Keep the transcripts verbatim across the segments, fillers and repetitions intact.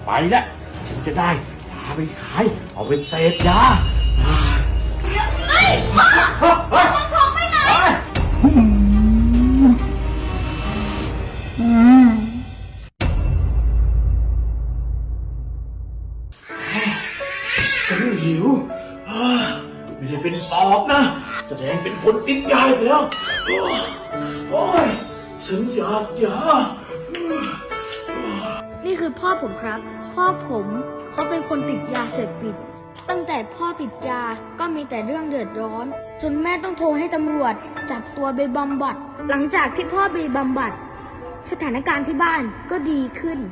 ไปแล้วฉันจะได้พาไปขายเอาไปเสพยาเฮ้ยพ่อพ่อพ่อไปไหนฉันหิวไม่ได้เป็นปอบนะแสดงเป็นคนติดยาแล้วโอ้ยฉันอยากยานี่คือพ่อผมครับ พ่อผมเขาเป็นคนติดยาเสพติดตั้งแต่พ่อติดยาก็มีแต่เรื่องเดือดร้อนจนแม่ต้องโทรให้ตำรวจจับตัวไปบำบัดหลังจากที่พ่อไปบำบัดสถานการณ์ที่บ้านก็ดีขึ้น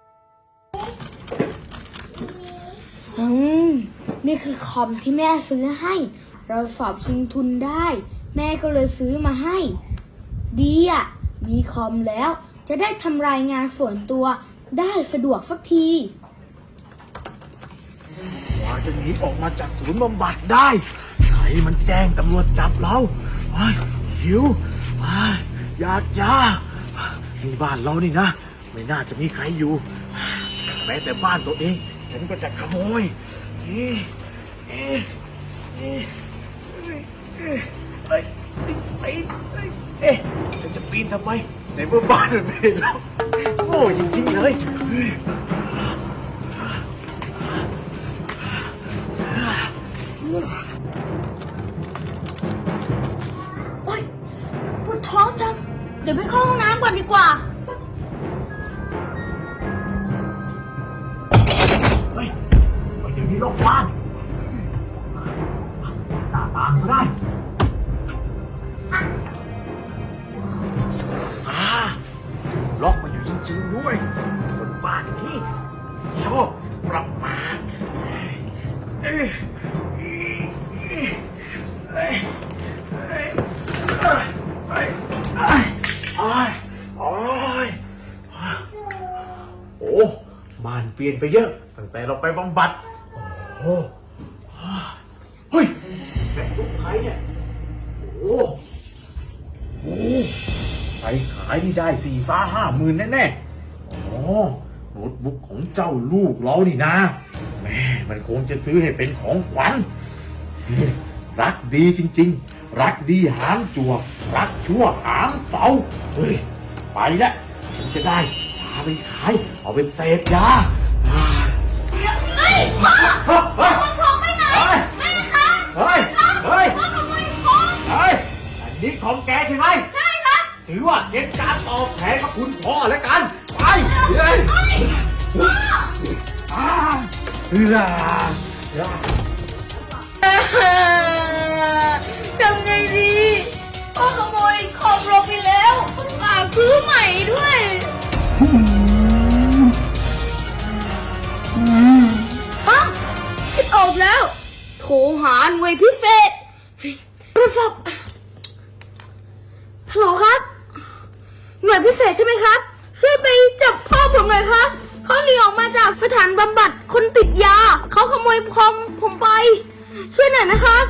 อืมนี่คือคอมที่แม่ซื้อให้เราสอบชิงทุนได้แม่ก็เลยซื้อมาให้ดีอ่ะมีคอมแล้วจะได้ทำรายงานส่วนตัวได้สะดวกสักทีกว่าจะหนีออกมาจากศูนย์บำบัดได้ใครมันแจ้งตำรวจจับเราหิวอยากยานี่บ้านเรานี่นะไม่น่าจะมีใครอยู่แม้แต่บ้านตัวเองฉันก็จะขโมยเอ๊ะเอ๊ะเอ๊ะเอ๊ะเอ๊ะเอ๊ะฉันจะปีนทำไมในเมื่อบ้านมันไม่ได้ล็อกโง่จริงๆเลยโอ๊ยปวดท้องจังเดี๋ยวไปเข้าห้องน้ำก่อนดีกว่าเฮ้ยไปเดี๋ยวนี้ล็อกบ้านหน้าต่างก็ได้อ่าล็อกมันอยู่จริงๆด้วยบนบ้านนี้ชอบปรับมาเอ้ยเอ้ยเอ้ยเอ้ยเอ้ยโอ้ยโอ้ยโอ้บ้านเปลี่ยนไปเยอะตั้งแต่เราไปบำบัดโอ้เฮ้ยแม่ลูกใครเนี่ยโอ้โหไปขายนี่ได้สี่ซ่าห้าหมื่นแน่ๆโอ้โน้ตบุ๊กของเจ้าลูกเรานี่นะแม่มันคงจะซื้อให้เป็นของขวัญรักดีจริงๆรักดีหางจั่วรักชั่วหางเสาเฮ้ยไปแล้วฉันจะได้พาไปขายเอาไปเสพยาเฮ้ยพ่อพ่อพ่อไปไหนไม่นะคะเฮ้ยเฮ้ยพ่อขโมยของเฮ้ยอันนี้ของแกใช่ไหมใช่ครับถือว่าเป็นการตอบแทนพระคุณพ่อแล้วกันไปเฮ้ยพ่ออ่าเฮ้ยทำไงดีพ่อขโมยของเราไปแล้วต้องฝากซื้อใหม่ด้วยฮะคิดออกแล้วโทรหาหน่วยพิเศษโทรศัพท์ฮัลโหลครับหน่วยพิเศษใช่ไหมครับช่วยไปจับพ่อผมหน่อยครับเขาหนีออกมาจากสถานบำบัดคนติดยาเขาขโมยคอมผมไปช่วยหน่อยนะครับ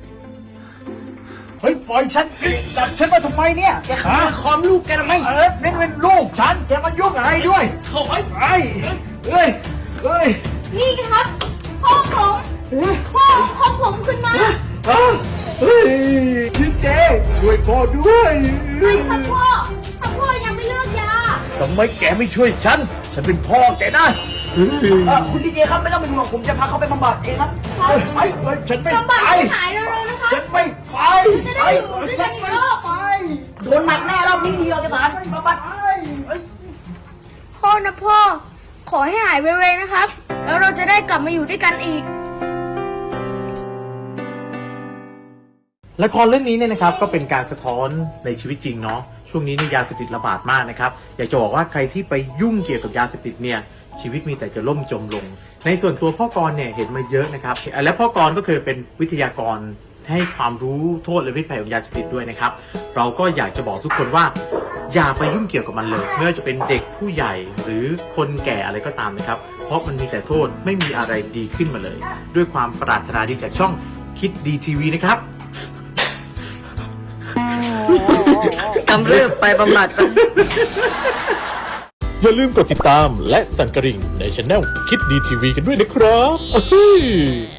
เฮ้ยปล่อยฉันจับฉันมาทำไมเนี่ยแกขโมยคอมลูกแกทำไมเออนี่เป็นลูกฉันแกมันยุ่งอะไรด้วยเข้าไปไอ้เฮ้ยเฮ้ยนี่ครับพ่อผมพ่อของผมขึ้นมาเฮ้ยพี่เจช่วยพ่อด้วยไม่ครับพ่อถ้าพ่อยังไม่เลิกยาทำไมแกไม่ช่วยฉันฉันเป็นพ่อแกนะคุณดีเจครับไม่ต้องเป็นห่วงผมจะพาเขาไปบำบัดเองครับไปฉันไม่บำบัดไปหายเร็วๆนะครับฉันไม่ไปจะได้อยู่ด้วยกันอีกรอบไปโดนหนักแน่รอบนี้มีเอกสารบำบัดพ่อนะพ่อขอให้หายไวๆนะครับแล้วเราจะได้กลับมาอยู่ด้วยกันอีกละครเรื่องนี้เนี่ยนะครับก็เป็นการสะท้อนในชีวิตจริงเนาะช่วงนี้นี่ยาเสพติดระบาดมากนะครับอยากจะบอกว่าใครที่ไปยุ่งเกี่ยวกับยาเสพติดเนี่ยชีวิตมีแต่จะล่มจมลงในส่วนตัวพ่อกรเนี่ยเห็นมาเยอะนะครับและพ่อกรก็เคยเป็นวิทยากรให้ความรู้โทษและพิษภัยของยาเสพติดด้วยนะครับเราก็อยากจะบอกทุกคนว่าอย่าไปยุ่งเกี่ยวกับมันเลยไม่ว่าจะเป็นเด็กผู้ใหญ่หรือคนแก่อะไรก็ตามนะครับเพราะมันมีแต่โทษไม่มีอะไรดีขึ้นมาเลยด้วยความปรารถนาดีจากช่องคิดดีทีวีนะครับกำเริบไปบำบัดอย่าลืมกดติดตามและสั่นกระดิ่งในช anel คิดดีทีวีกันด้วยนะครับ